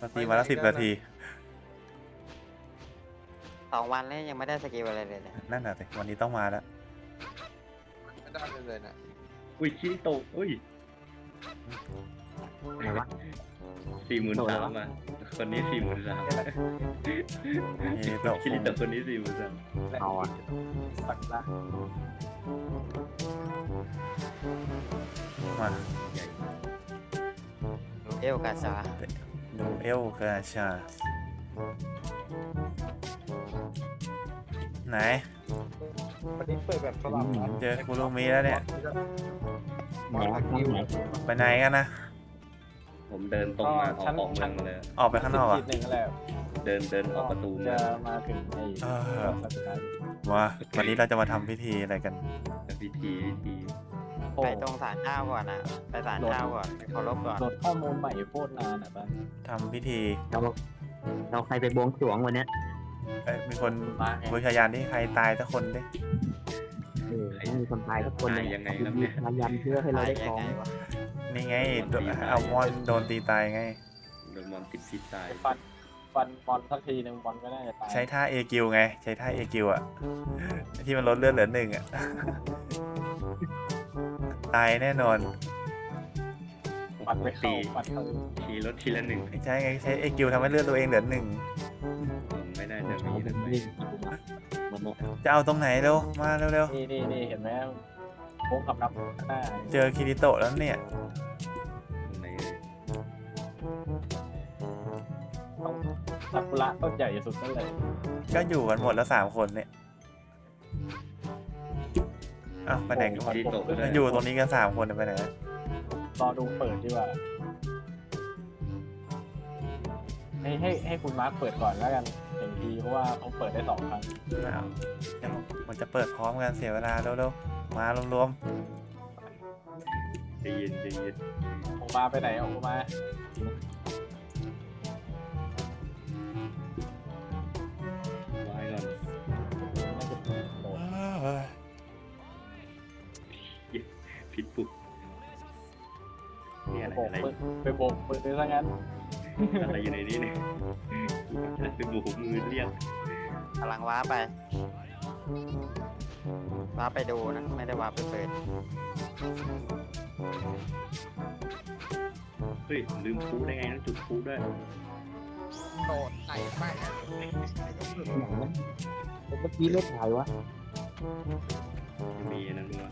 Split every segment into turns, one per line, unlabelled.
เราตีมาแล้ว10 นาที
2 วันแล้วยังไม่ได้สกิลอะไรเลยเนี่ย
นั่นน่ะสิวันนี้ต้องมาแล้ว
ไม่ได้เลยนะ
อุ้ยคิริโตะอุ้ย
ไหนวะ
43,000อ่ะคนนี้43,000
นี่ตก
คิริโตะคนนี้43,000
เอาอ่ะ
สักละ
มา
ใหญ่
เอลกาชา
ดูเอลกาชาไหน
วันนี้เปิดแบบสลับนะ
เจอคุรุมิแล้วเนี่ย
ไหนวะข้างไหน
ไปไหนกันนะ
ผมเดินตรงมาออกเมืองมาเลย
ออกไปข้างนอกอ่ะ
ทีหนึ่งแหละ
เดินออกประตู
จะ
มา
มาถึงไอ้
เออ
สัปดาห์
มาวันนี้เราจะมาทำพิธีอะไรกัน
พิธี
ไปตรงศาลเจ้าก่อนอ่ะไปศาลเจ้าก่อนเคารพก่อน
โหลดข้อมูลใหม่โคตรนานอ่ะบ้าน
ทำพิธี
เราใครไปบวงสรวงวันเนี้ย
มีคน
มาไง
บูชายันที่ใครตายสักคนดิ
ต้องมีคนตายทุกคนเลย
ยังไงครับเนี่ย
พยายามเพื่อให้เรา
ตาย
ได้
ยั
ของ
งไงวะ
นี่ไงเอามอนโดนตีตายไง
โดนมอนติดพิษตาย
ฟันบอลสักทีหนึ่งบอลก็น่าจะตาย
ใช้ท่าเอกิวไง ใช้ท่าเอกิวอ่ะ ที่มันลดเลือดเหลือ1อ่ะ ตายแน่นอน
ปัดไปเข้าปัดเข้า
ทีรถทีละหนึ่ง
ใช่ไงใช้เอกิวทำให้เลือดตัวเองเหลือ1
ไม่ได้จะมีนะ
นี่มันเนี่ย
จะเอาตรงไหนเร็วมาเร็ว
นี่เห็นไหมโค้งขับนับหน้า
ๆเจอคิริโตะแล้วเนี่ย
ตรงไหนเลย
ต้องซากุระต้นใหญ่สุดนั่นเลย
ก็อยู่กันหมดแล้ว3 คนเนี่ยอ้าวไปไหนกันหมด
คิริโตะก็ได้
อยู่ตรงนี้กัน3 คนไปไหนอะ
รอดูเปิดดีกว่าให้คุณมาร์คเปิดก่อนแล้วกันเห็นทีเพราะว่าเขาเปิดได้2 ครั้ง
อ้าวเดี๋ยวมันจะเปิดพร้อมกันเสียเวลาเร็วๆมารวม
ใจเย็นใจเย็น
โอมาไปไหนโอมา
ไว้ก่อน
น่าจะโดด
ๆเฮ้ย
ผิดปุ๊บเนี่ยอะไร
โบก
อะไร
ปืนไปโบกปืนซะงั้น
อะไรอยู่ในนี้เนี่ยเป็นบุกมือเรียก
กำลังว้าไปว้าไปดูนะไม่ได้ว้าไปเปิด
เฮ้ยลืมพูได้ไงต้องจุดพูด้วย
โดดไหลมาก
เมื่อกี้เล่นไหนวะ
มีนั่นด้วย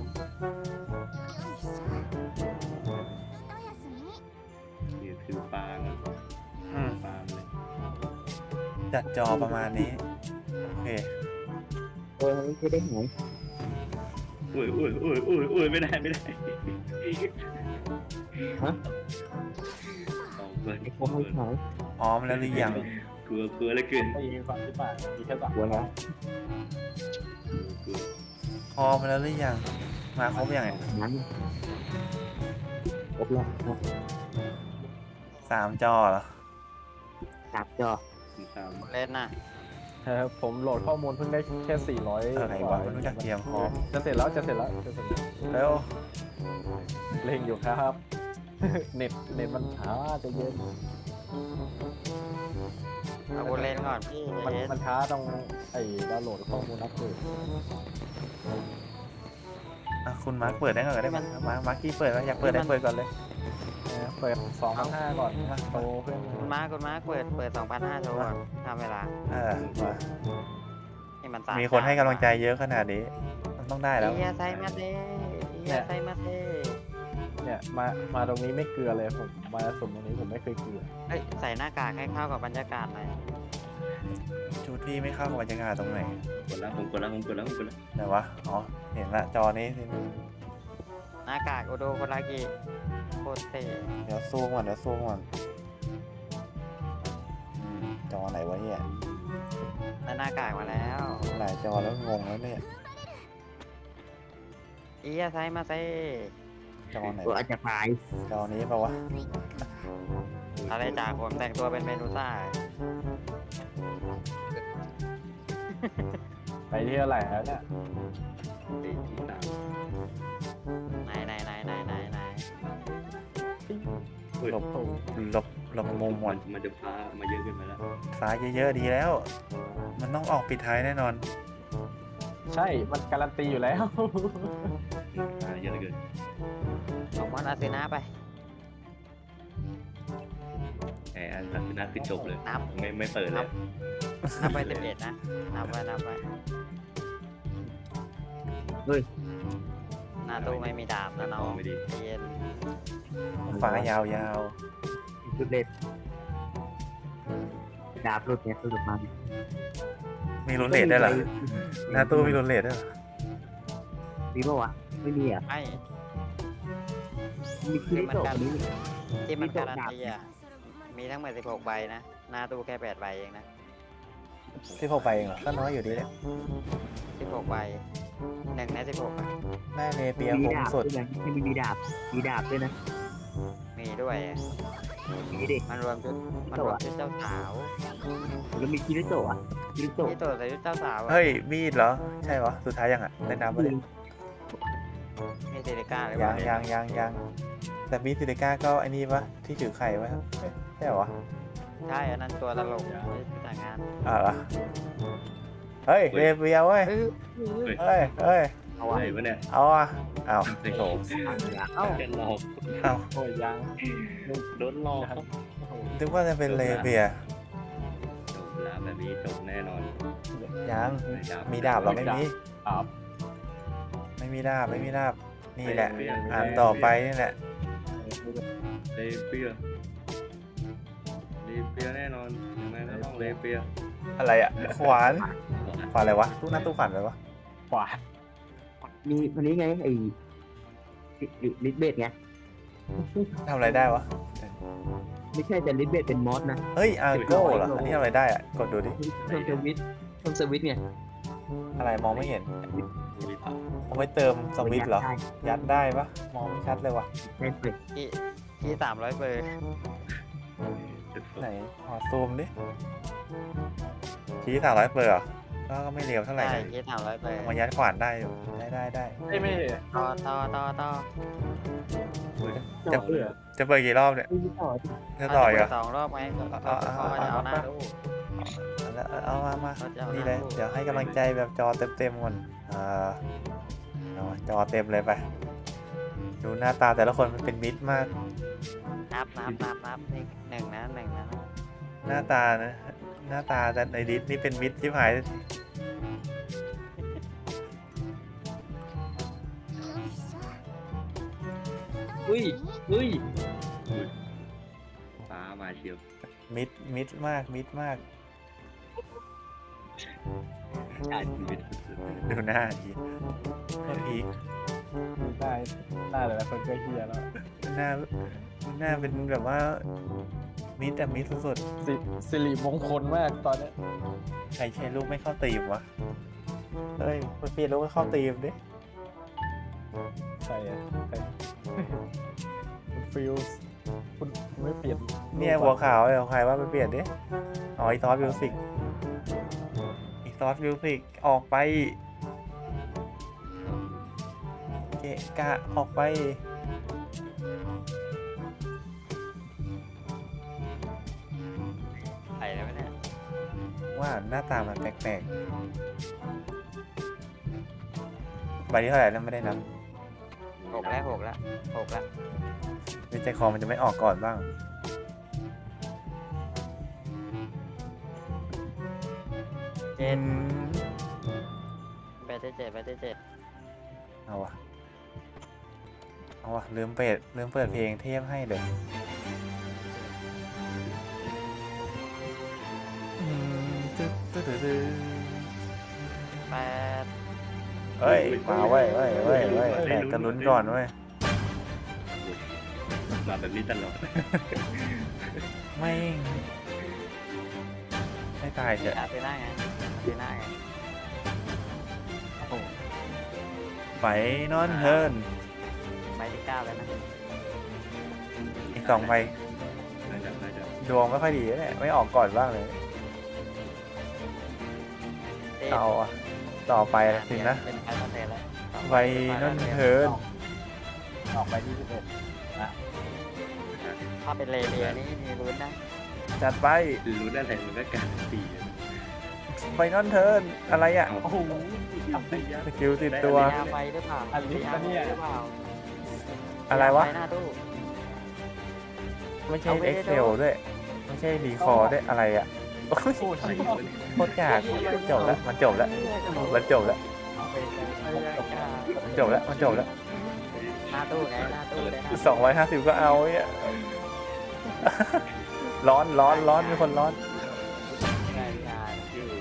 นี่ถือปาง
อืม
ปางเลย
จัดจอประมาณนี้ โอเค
ไม่ได้ไหน
โอ้ยไม่ได้เอาเกิน
ไอ้พวกไม่ไหน
พร้อมแล้วหรือยัง
กลัวเหลือเกิน
ไม่ยิงฝั่งที่ป่ามีแค่3
หัวแล้ว
กลัว
พร้อมแล้วหรือยัง มาครบยังไง
นั้นครบแล้ว
3 จอเหรอ
จับจอ
ตาม
เล่นน่ะ
ผมโหลดข้อมูลเพิ่งได้แค่400
อะไรวะไม่รู้จักเตรียมพร้อม
จะเสร็จแล้ว
แล้ว
เร่งอยู่ครับ เน็ตมันช้าจะเย็น
เอากูเล่นก่อนพี่
มันช้าตรงไอ้ดาวน์โหลดข้อมูลอัปเดต
อ่ะคุณมาร์คเปิดได้ก่อนก็ได้มั้ยมาร์คกี้เปิดไหมอยากเปิดได้เปิดก่อนเลย
เปิด2,500ก่อนโตเพื่อน
คุณมาเปิด 2,500โชว์ก่อนทำเวลา
มา
นี่มัน3
มีคนให้กำลังใจเยอะขนาดนี้มันต้องได้แล้ว
เอียไซมาเต้เอียไซมาเต้
เนี่ยมาตรงนี้ไม่เกลือเลยผมมาสุ่มตรงนี้ผมไม่เคยเกลือ
เฮ้ยใส่หน้ากากให้เข้ากับบรรยากาศหน่อย
ชุดที่ไม่เข้ากับบรรยากาศตรงไหน
ผมกดแล้ว
ไหนวะ อ๋อ เห็นละจอนี้สิ
หน้ากากโอโดโครากิโคตรเท่
เดี๋ยวซูมก่อนจอไหนวะเนี่ย
ได้หน้ากากมาแล้ว
หลายจอแล้วงงแล้วเนี่ย
เอียไซมาเต้
จอไหน
ตัว
วะ
อาจจะพาย
จอนี้ปะวะ
อะไรจากผมแต่งตัวเป็นเมนูซ่า
ไปที่เท่าไหร่แล้วเนี่ย
ตีที่ตาม
ไหน
หลบหลบมุมหมด
มันจะฟ้ามาเยอะเกินไปแล้ว
ฟ้าเยอะๆดีแล้ว มันต้องออกปิดท้ายแน่นอน
ใช่มันการันตีอยู่แล้ว
ฟ้าเยอะเหลือเกิน
ของมอนอาเซนาไป
แหมอันนั้นคือน่าคือจบเลย
นับ
ไม่เปิดเลย
นับไป11นะนับไว้หน้าตู้ไม่มีดาบนะน้อง
ไม่ดี
ใจเย็น
ฟ้ายาว
สุดเด็ดดาบหลุดเนี่ยหลุดมา
ๆ มีรุนเลทได้วยเหรอ หน้าตู้มีรุนเลทได้วยเหรอ
มีปะวะไม่มีอ่ะ
ไม่
มีคิริโตะนี้
ที่มันการันตีอ่ะมีทั้งหมด16ใบนะหน้าตู้แค่8ใบเองนะ
16 ไปเองเหรอ ก็น้อยอยู่ดีแหละ
16ใบ1ใน16อ่ะ
ได้เนเปีย
มี
คง
ดาบ
สุด
ด้วยนะไม่มีดาบด้วยนะ
มีด้วยอะ
มีเด็ก
มันรวมชุดเจ้าสาว
แล้วมีคิริโตะอ่ะคิริโตะ
ที่ตัวใส่ชุดเจ้าสาวอะ
เฮ้ย มีดเหรอ ใช่เหรอ สุดท้ายยังอ่ะได้นับไปเลย
มีเซริก้าหรือ
ยั
เปล่าง
ยังแต่มีซิลิก้าก็ไอ้นี่ปะที่ถือไข่ไว้เอ้ยใช่เหรอวะ
ใช่อันนั้นตัวตลกไม่แต่งงาน
เหรอเฮ้ยเรเบียเว้ย เฮ้ย
เอาวะ
ไหนวะเนี่ย
เอาอ่ะอ้าวโถ
เอ้า
จะหลอก
อ้าว
โอ้ยยัง
โดนหลอก
โอ้โห
นึกว่าจะเป็นเรเบีย
จบแล้วแบบนี้จบแน่นอน
ยัง มีดาบเหรอไม่มี
ครับ
ไม่มีดาบ นี่แหละ อ่านต่อไปนี่แหละ
เลเปียแน่นอนยังไงก็ต้องเลเปีย
อะไรอ่ะ ขวานอะไรวะตู้หน้าตู้ขวานอะไรวะ
ขวาน
มีวันนี้ไงไอ้ลิทเบดไง
ทำอะไรได้วะ
ไม่ใช่แต่ลิทเบดเป็นมอสนะ
เฮ้ยอาร์โก้เหรอ อันนี้ทำอะไรได้อ่ะ กดดูดิ
เพิ่มสวิตช์ไง
อะไรมองไม่เห็นเอาไว้เติมสวิตช์เหรอ ยัดได้ปะมองไม่ชัดเลยวะ
ได้เลย
ที่300เบอร์
ไหนขอซูมดิชี้300เปอร์เหรอก็ไม่เร็วเท่าไหร่
ใช่
นะ
ที่300เบอร์
เอามายัดขวานได้อยู่ได้
ไม่ไม่
ต่อ
จะ
เบื่อ
จะเปิดกี่รอบเนี่ย
ไม่ต่อ
จะต่อยเหรอ
สองรอบไหมก็จะเอาหน้าดู
เอามา
ก็จะเอาห
นี่
น้า
เลย
ดู
เดี๋ยวให้กำลังใจแบบจอเต็มก่อนเอาจอเต็มเลยไป ดูหน้าตาแต่ละคนมันเป็นมิตรมาก
นับนี่หนึ่งนะ
หน้าตานะหน้าตาแต่ในดิสนี่เป็นมิตรที่หาย
อุ้ย
ฟ้ามาเชียว
มิตรมาก
ชาติชีวิต
ดูหน้าดีก็อีก
ได้แต่ละคนก็เฮียแล้ว
หน้าเป็นแบบว่ามิตรสุด
สิริมงคลมากตอนเนี้ย
ๆใครใช้ลูกไม่เข้าตีมวะเฮ้ยมันเปลี่ยนลูกให้เข้าตีมดิ
ใช่อะใช่คุณฟิลส์คุณไม่เปลี่ยน
เนี่ยหัวขาวเลยของใครว่าไปเปลี่ยนดิอ๋ออีซอสมิวสิกออกไปเกะกะออกไป
ใส่เลยไหมเนี่ย
ว่าหน้าตามันแปลกๆใบนี้เท่าไหร่แล้วไม่ได้นับ
6แล้ว
ในใจคอมันจะไม่ออกก่อนบ้าง
เจ็ด
อืม
ไปที่เจ็ด
เอาวะลืมเปิดเพลงเทพให้เลยตึ๊ด
8
เฮ้ยมาเว้ยแตกกันลุ้นก่อนเว้ย
มาแบบนี้ตลอด
ไม่ตายเถอะ
อาเซน่าไง
โอ้โห
ไฟนอนเฮิร์น
ใบที่9แล้วนะ
อีก2ใบ
น่าจะ
ดวงไม่ค่อยดีเนี่ยไม่ออกก่อนบ้างเลย
เจ็ด
เอาอะต่อไปสินะ
เป็นไฟนอลเทนแล้ว
ไฟนอนเฮิร์น
ออกไปที่11นะ
ถ้าเป็นเลเลียนี่มีลุ้นนะ
จัดไป
รู้ได้แต่มันก็การตี
ไฟนอลเทิร์นอะไรอ่ะ
โอ้โห
สกิลติดตัว
ยาไฟหรือเปล่า
อันนี้ปะเนี่ย
หรือเปล่า
อะไรวะ
ยาฟหน้าตู้
ไม่ใช่
เอาไว้
เอ็กเซลด้วย ไม่ใช่รีคอร์ด้วยอะไรอ่ะโอ้ย
โอ้ย
โคตรกากจบแล้วมันจบแล้วมันจบแล้ว มันจบแล้วมันจบแล้ว
หน้าตู้ไงหน้าตู้เลยนะ
250ก็เอาเนี่ย ร้อนร้อนร้อนมีคนร้อน
งานงาน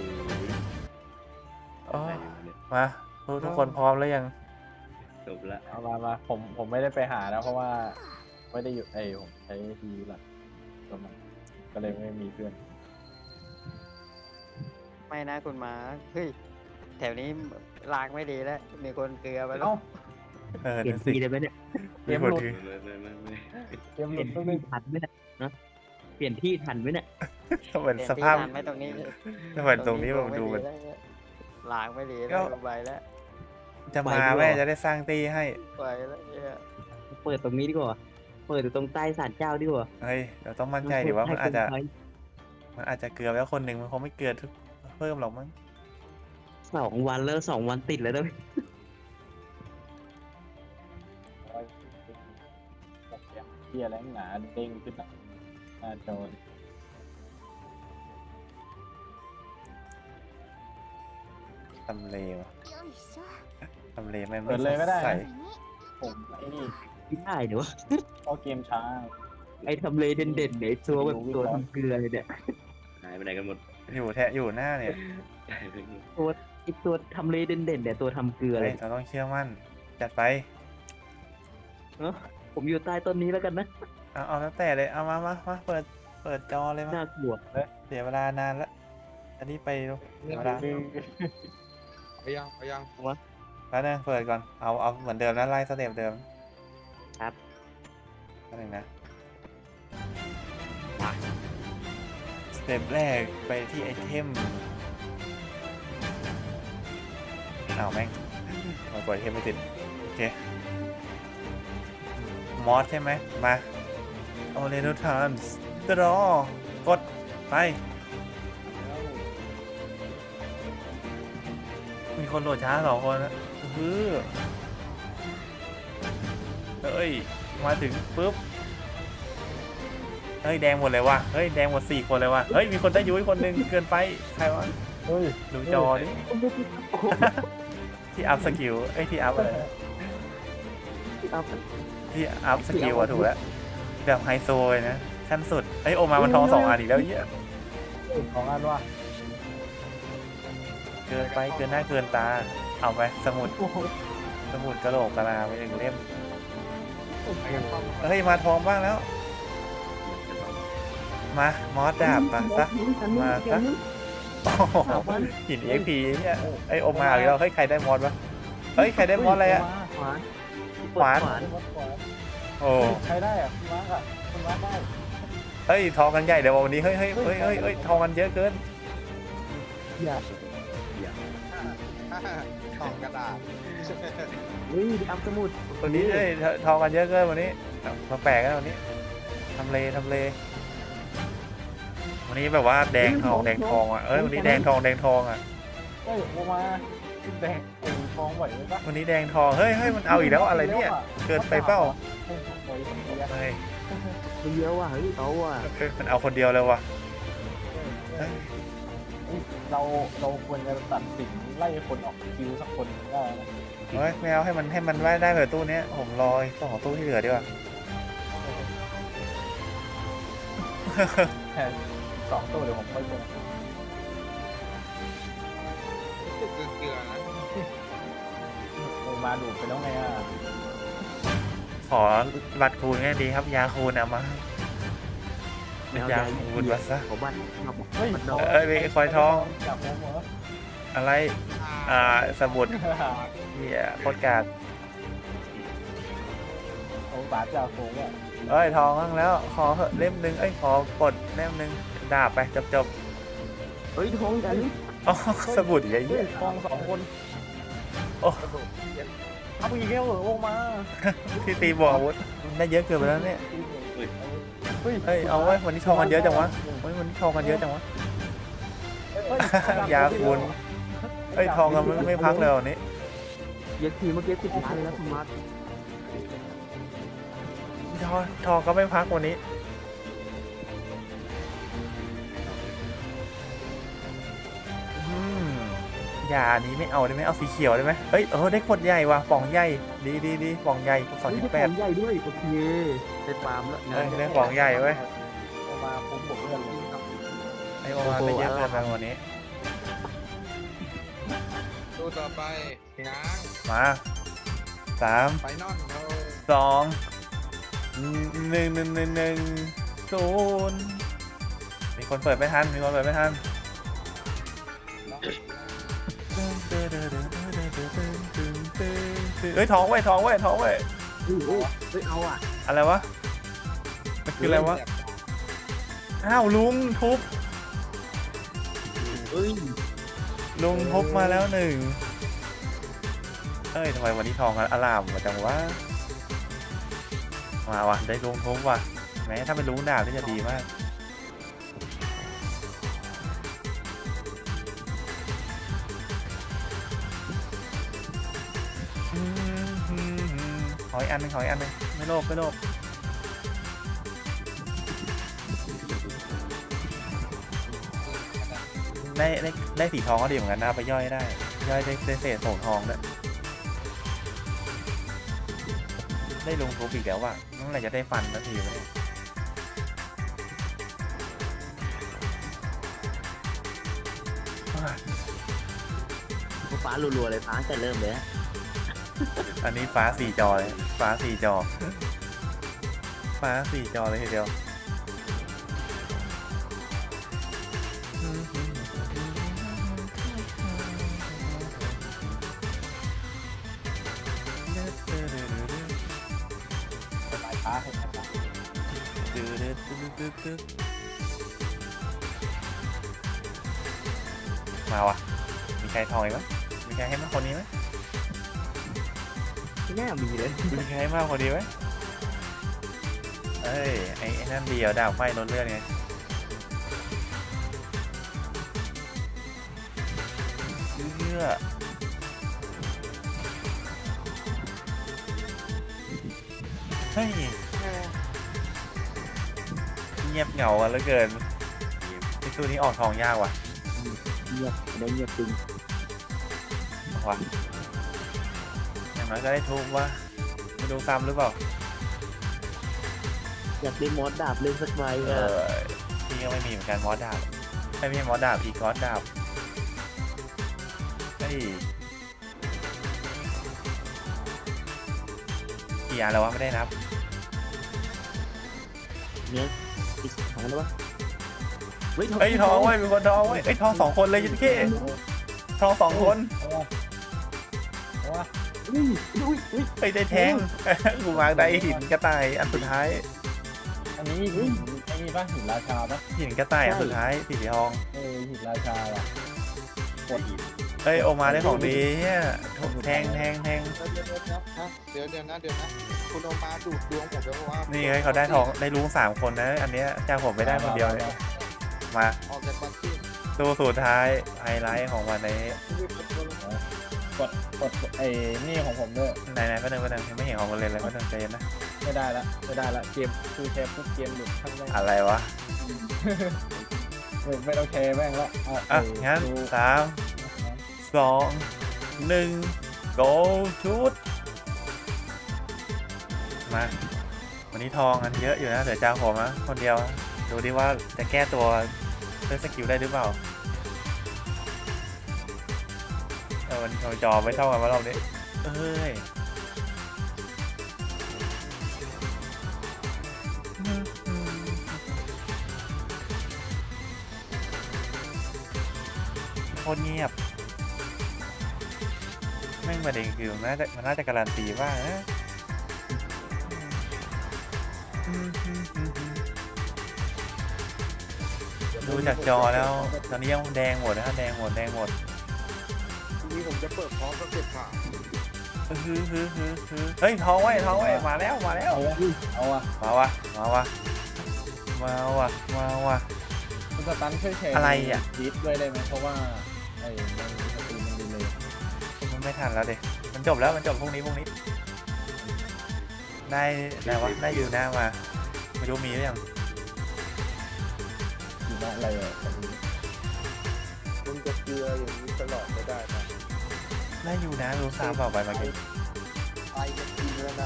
โอ้ยมาทุกคนพร้อมแล้วยัง
จบละ
เอามาผมไม่ได้ไปหานะเพราะว่าไม่ได้อยู่ผมใช้ทีวีหลักตัวมันก็เลยไม่มีเพื่อน
ไม่นะคุณมาเฮ้ยแถวนี้ลากไม่ดีแล้วมีคนเกลือไปแล้
เอ้าว
เปลี่ย
นั่
น
นสิ
ทีได้ไหมเนี่ย
มีคนถือ
ไม่
เกมห
เป
ลุ
ลี่ย
ด
น
ต้อง
ที่
ได้
ทันไหมเนี่ยนะเปลี่ยนที่ทันไหมเนี่ย
เหมือน
เปลี่ยน
ส
ที่
ภาพ
ทันไหม่ตรงนี้
เหมือนตรงนี้ผมดูมัน
ลากไม่ดี
ก็
แล้วใบแล้ว
จะมาแม่จะได้สร้างตีให้
ไปแล้วเนี่ย
เปิดตรงนี้ดีกว่าเปิดอยู่ตรงใต้ศาลเจ้าดีกว่า
เฮ้ยเดี๋ยวต้องมั่นใจดิว่ามันอาจจะ
ให้
มันอาจจะเกลือแล้วคนหนึ่งมันคงไม่เกลือทุกเพิ่มหรอกมั้ง
2 วันแล้ว2 วันติดแล้วด้วย
เกียร์แรงหนาเด้งขึ้นหน้าจอ
ทำเลวะทำเลไม่
เปิดเลยก็ได้
ใส่
นะผมไอ้นี่
ไม่ได้เดี๋ยว
เพราะเกมช้า
ไอ้ทำเลเด่นๆเนี่ยไอ้ตัวแบบตัวทำเกลือเลยเนี่ย
หายไปไหนกันหมด
อยู่หน้าเนี่ย
หายไปหมด
ไอ้ตัวทำเลเด่นๆเนี่ยตัวทำเกลือเล
เฮ้ย
ย
เราต้องเชื่อมั่นจัดไป
ผมอยู่ใต้ต้นนี้แล้วกันนะ
เอาแล้วแต่เลยเอามาเปิดจอเลยมา
น่ากลัว
เสียเวลานานแล้วอันนี้ไปดูเสียเวลา
ไปยัง
แล้วนึงเปิดก่อนเอาเหมือนเดิมนะไล่สเต็ปเดิม
ครับ
นั่นเองนะสเต็ปแรกไปที่ไอเทมเอาแม่งมาปล่อยไอเทมไม่ติดโอเคมอสใช่ไหมมาโอเรโนทานส์กรอกดไปมีคนโหลดช้า2 คนนะเฮ้ยมาถึงปุ๊บเฮ้ยแดงหมดเลยว่ะเฮ้ยแดงหมด4 คนเลยว่ะเฮ้ยมีคนได้ยุ้ยคนหนึ่งเกินไปใครวะ
เฮ้ย
ดูจอดิที่อัพสกิลไอ้ยที่อัพอะไรนะที่อัพสกิลอะถูกแล้วแบบไฮโซเลยนะขั้นสุดไอ้ยโอมามันทอง2 อันอีกแล้วเหี้ย
ของอันว่า
เกินไปเกินหน้าเกินตาเอาไปสมุดกระโหลกกะลาไป1 เล่มเฮ้ยมาทองบ้างแล้ว มามอสดาบมาซะมาซะโอ้โหหิน EXP เนี่ยไอโอมาอีกแล้วเฮ้ยใครได้มอสวะเฮ้ยใครได้มอสอะไรอะ
ขวาน
ขวาน โอ้
ใครได้อะคุณมาร์คอะคุณมาร์คได้
เฮ้ยทองกันใหญ่เดี๋ยววันนี้เฮ้ยทองกันเยอะเกิน
อย่า
สองกระดาษ
เฮ้ยอัพสมุด
วันนี้เฮ้ยทองกันเยอะเกินวันนี้มาแปลกกันวันนี้ทำเลวันนี้แบบว่าแดงทองอ่ะเอ้ยวันนี้แดงทองอ่ะ
เฮ้ยโอมาแดงไอ้ทองไหวไหมปะ
วันนี้แดงทองเฮ้ยมันเอาอีกแล้วอะไรเนี่ยเกินไปเปล่าเฮ้ย
มันเยอะว่ะเฮ้ยเอาว่ะ
มันเอาคนเดียวเลยว่ะ
เราควรจะตัดสินไล่คนออกคิวสักคนได้นะ
เฮ้ยไม่เอาให้มันได้เผื่อตู้เนี้ยผมรอ2 ตู้ที่เหลือดีกว่า
แค่2 ตัวเดี๋ยวผมค่อยเจอ
เกลือนะ
โอมาดูดไปแล้วไงอ่ะ
ขอบัตรคูณง่ายดีครับยาคูณเอามา
แมวย
าคูณมาซะ
ของบ้านครับ
เฮ้ย
มันดอก
เอ้ยคอยทอง
จับผมเหรอ
อะไรสมุดเฮียโคตรกาก
โอ้บาดจ่าโค้งอ่ะ
เอ้ยทองบ้างแล้วขอเหอะเล่มหนึ่งเอ้ยขอกดเล่มหนึ่งดาบไปจบ
เฮ้ยท้องกัน
อ๋อสมุดใหญ่
เฮ้
เหี้
ย
ย
ทอง2 คน
โอ้
เอาอีกแล้วเหรอโอมา
ที่ตีบอกอาวุธได้เยอะเกินไปแล้วเนี่ยเฮ้ยเอาไว้วันนี้ทองกันเยอะจังวะเฮ้ยวันนี้ทองกันเยอะจังวะ ยาคุณเฮ้ยทองกันไม่พักเลยวันนี้
เย็กทีเมื่อกี้10 ล้านเลยนะคุณมาร์ท
ทองก็ไม่พักวันนี้ยานี้ไม่เอาได้ไหมเอาสีเขียวได้ไหมเฮ้ยได้ขวดใหญ่ว่ะป่องใหญ่ดีป่องใหญ่2.8
ใหญ่ด้วยโอเคเป็นปาล์มแล้ว
ได้ป่องใหญ่เว้ย
เอามาผมบอกเพื่อนเลย
ไอ้ประมาณไม่เยอะเกินไปวันนี้
ตู้ต่อไปง้าง
มา3
ไปนอนเรา
2 1 มีคนเปิดไม่ทันเฮ้ยทองเว้ย
เฮ้ยเอาอ่ะ
อะไรวะมันคืออะไรวะอ้าวลุงทุบ
เฮ้ย
ลุงทุบมาแล้ว1เอ้ยทำไมวันนี้ทองอลามมาจังวะมาวะได้ลุงทุบว่ะแม้ถ้าเป็นลุงดาบนี่จะดีมากขออีกอันหนึงไม่โลภได้สีทองก็ดีเหมือนกันนะเอาไปย่อยได้เศษส่งทองด้วยได้ลงทุบอีกแล้วว่ะเมื่อไหร่จะได้ฟันสักทีวะเนี่ย
ฟ้ารัวๆเลยฟ้าแต่เริ่มเลย
อันนี้ฟ้า4 จอเลยฟ้า4 จอเลยทีเดียว
สายฟ้าให้
มาวะมีใครทองอีกไหมมีใครให้มากคนนี้ไหม
ที่แน่มีเลย
มีใครให้มากคนนี้ไหมเอ้ยไอ้นั่นเดียวดาวไฟลดเลือดไงเลือดเฮ้ยเงียบเหงากันเหลือเกินไอ้ตัวนี้ออกทองยากว่ะ
เงียบได้เงียบจริง
ว่ะอย่างน้อยก็ได้ทุบว่าไม่ดูซ้ำหรือเปล่า
อยากได้มอสดาบเล่นสักใบอ่ะ
พี่ก็ไม่มีเหมือนกันมอสดาบไม่ใช่มอสดาบอีกอสดาบเฮ้ยกี่อันแล้ววะไม่ได้นับ
เนี่ยอีก2แล้ววะ
เฮ้ยทองเว้ยมีคนทองเว้ยเอ้ยทอง2 คนเลยยันเค้ทอง2 คน
เอาวะ
ไปได้แทง กูมาได้หินกระต่ายอันสุดท้าย
อันนี้หินไอ้นี่ป่ะหินราชาป่ะ
หินกระต่ายอันสุดท้ายสีทอง
หินราชาว่ะ
เอ้ยโอมาได้ของดีเนี่ยแทง
เดี๋ยวนะคุณโอมาดูดดวงผมแล้วว่า
นี่เฮ้ยเขาได้ทองได้ลุง3 คนนะอันเนี้ยเจ้าผมไม่ได้คนเดียวเลยมา
ออกจากบัตรที่
ตัวสุดท้ายไฮไลท์ของวันนี้
กดไอ้นี่ของผมด้วย
ไหนๆก็เดินยังไม่เห็นของมันเลยเลยก็เดินใจเย็นนะ
ไม่ได้ละเกมคือแชร์ปุ๊บเกมหลุดทั้งแม่ง
อะไรวะ
ไม่ต้องแชร์แม่งละ
อ่ะงั้น3 2 1 go ชุดมาวันนี้ทองอันเยอะอยู่นะเดี๋ยวจ้าผมนะคนเดียวดูดิว่าจะแก้ตัวด้วยสกิลได้หรือเปล่ามันจอไม่เท่ากันว่าเราเนี่ยเอ้ยโคตรเงียบแม่งประเด็นคือมันน่าจะการันตีว่านะดูจากจอแล้วตอนนี้ยังแดงหมดนะแดงหมด
นี่ผมจะเปิดพร้อมกับเก็บผ่า
เฮ้ยทองไว้มาแล้ว
เอาวะ
มาวะมาว่ะมาว่ะ
คุณสตันช่วยแชร์
อะไรอ่ะ
ดีดด้วยได้ไหมเพราะว่าไอ้มันสตรีมมันดีเลย
มันไม่ทันแล้วเด็มันจบแล้วมันจบพรุ่งนี้ได้ได้วะได้อยู่หน้ามาไม่รู้มีหรือยัง
อยู่นะอะไรอ่ะตอนนี้
มึงจะเกลืออย่างนี้ตลอดไม่ได้นะ
ได้อยู่นะรู้ซ้ำเปล่าไปเมื่อกี้
ไปจะกินแล้วนะ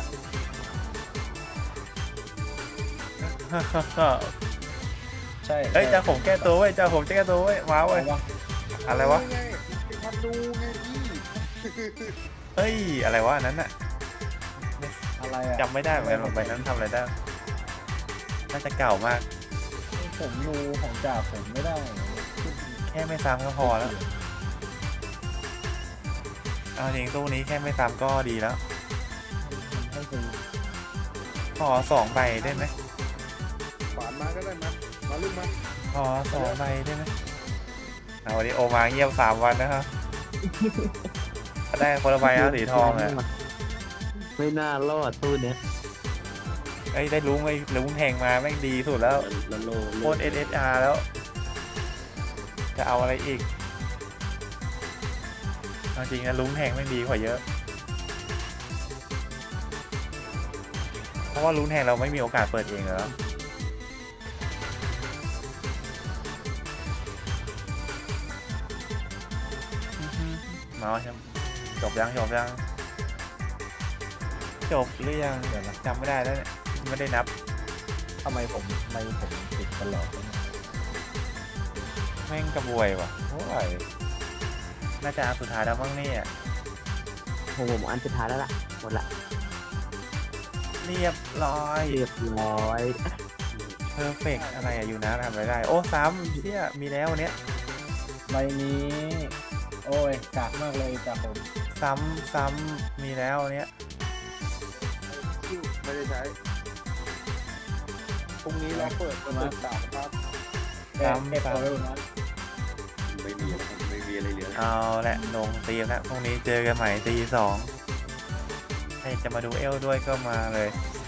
ใช่
เฮ้ยจ้าผมแก้ตัวเว้ยจ้าผมจะแก้ตัวเว้ยมาเว้ย
เอาวะ
อะไรวะ
ไงมาดูไงพี่
เฮ้ยอะไรวะอันนั้นน่ะ
อะไรอ่ะ
จำไม่ได้เหมือนกันว่าใบนั้นทำอะไรได้น่าจะเก่ามาก
ผมดูของจ่าผมไม่ได้
แค่ไม่ซ้ำก็พอแล้วเอาจริงตู้นี้แค่ไม่ซ้ำก็ดีแล้ว
ให้ซื้อ
ขอ2 ใบได้ไหม
ฝานมาก็ได้มามาลูกมา
ขอ2 ใบได้ไหมเอาวันนี้โอมาเงียบ3 วันนะครับได้คนละใบแล้วสีทองอ่ะ
ไม่น่ารอดตู้เนี้ย
ไอ้ยได้ลุงไอ้ลุงแทงมาแม่งดีสุดแล้ว
แล้วโล
โคตร SSR แล้ว จะเอาอะไรอีกเอาจริงนะลุงแทงแม่งดีกว่าเยอะ เพราะว่าลุงแทงเราไม่มีโอกาสเปิดเองแล้วมาใช่ไหมจบยังหรือยังจำไม่ได้แล้วเนี่ยไม่ได้นับ
ทำไมผมติดตลอดเลย
แม่งกระบวยว่ะโอ้ยน่าจะอันสุดท้ายแล้วมั้งเนี่ย
ผมอันสุดท้ายแล้วล่ะหมดละ
เรียบร้อย
เรียบร้อย
เพอร์เฟกอะไรอะอยู่นะทำอะไรได้ โอ้ซ้ำเชี่ยมีแล้ววันเนี้ย
ใบนี้ โอ้ยกากมากเลยจ่าผม
ซ้ำมีแล้วอันเนี้ย
คิวไม่ได้ใช้พรุ่งนี้เราเปิดประตูสามครับ
แก้ตัวไว้บนนั้น
ไม่มีแล้วครับไม่มีอะไรเหลือแล้ว
เอาแหละลงตีมแล้วพรุ่งนี้เจอกันใหม่ตี 2ใครจะมาดูเอลด้วยก็มาเลย